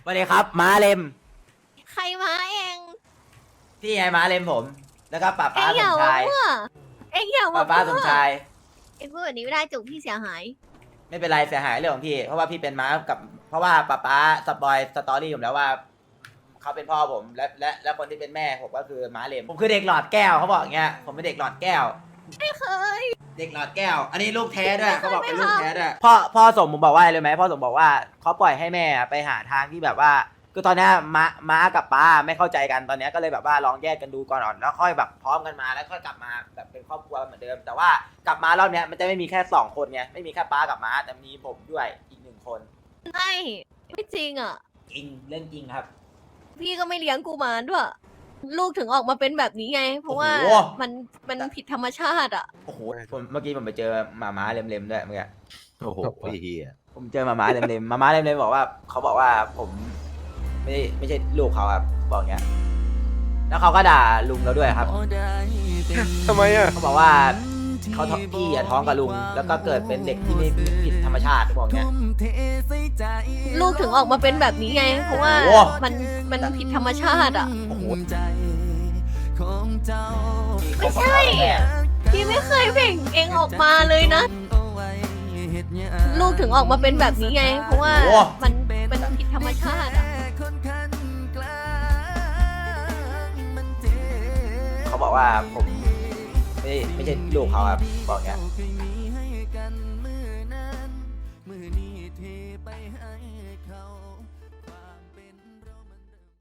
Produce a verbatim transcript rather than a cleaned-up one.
สวัสดีครับม้าเลมใครมาเองที่ไงม้าเลมผม แล้วก็ป้าเอ็ป้างอสย่าม มาชายมั่วเอ็งอย่าป้ามาป้าสมั่มวชายเอ็งพูดแบบนี้ไม่ได้จุกพี่เสียหายไม่เป็นไรเสียหายเรื่องของพี่ เพราะว่าพี่เป็นม้ากับ เพราะว่าป้าป้าสปอยสตอรี่ผมแล้วว่าเขาเป็นพ่อผมและและและคนที่เป็นแม่ผมก็คือม้าเลมผมคือเด็กหลอดแก้วเขาบอกอย่างเงี้ยผมเป็นเด็กหลอดแก้วไม่เคยเด็กหลอดแก้ว อันนี้ลูกแท้ด้วยไม่เคยเขาบอกเป็นลูกไม่เคยแท้ด้วยพ่อพ่อสมผมบอกว่าอะไรรู้ไหมพ่อสมบอกว่าเขาปล่อยให้แม่ไปหาทางที่แบบว่าคือตอนเนี้ยม้าม้ากับป้าไม่เข้าใจกันตอนเนี้ยก็เลยแบบว่าลองแยกกันดูก่อนแล้วค่อยแบบพร้อมกันมาแล้วค่อยกลับมาแบบเป็นครอบครัวเหมือนเดิม แต่ว่ากลับมารอบเนี้ยมันจะไม่มีแค่สองคนไงไม่มีแค่ป้ากับม้าแต่มีผมด้วยอีกหนึ่งคนไม่ไม่จริงอ่ะจริงเรื่องจริงครับพี่ก็ไม่เลี้ยงกูมาด้วย ลูกถึงออกมาเป็นแบบนี้ไง เพราะว่าโอ้โหมันมันผิดธรรมชาติอ่ะโอ้โหผมเมื่อกี้ผมไปเจอหมาม้าเล็มๆด้วยเมื่อกี้โอ้โหไอ้เหี้ยผมเจอหมาม้าเล็มๆหมาม้าเล็มๆบอกว่าเขาบอกว่าผมไม่ได้ไม่ใช่ลูกเขาครับบอกอย่างเงี้ยแล้วเขาก็ด่าลุงเราด้วยครับทำไมอ่ะเขาบอกว่าเขาท้องพี่อะท้องกับลุง แล้วก็เกิดเป็นเด็กที่ไม่ผิดธรรมชาติบอกเงี้ยลูกถึงออกมาเป็นแบบนี้ไง เพราะว่าโอ้มันมันผิดธรรมชาติอ่ะโอ้โหไม่ใช่ พี่ไม่เคยเบ่งเองออกมาเลยนะ ลูกถึงออกมาเป็นแบบนี้ไง เพราะว่าโอ้มันมันผิดธรรมชาติอ่ะเขาบอกว่าผมไม่ได้ไม่ใช่ลูกเขาครับบอกเงี้ย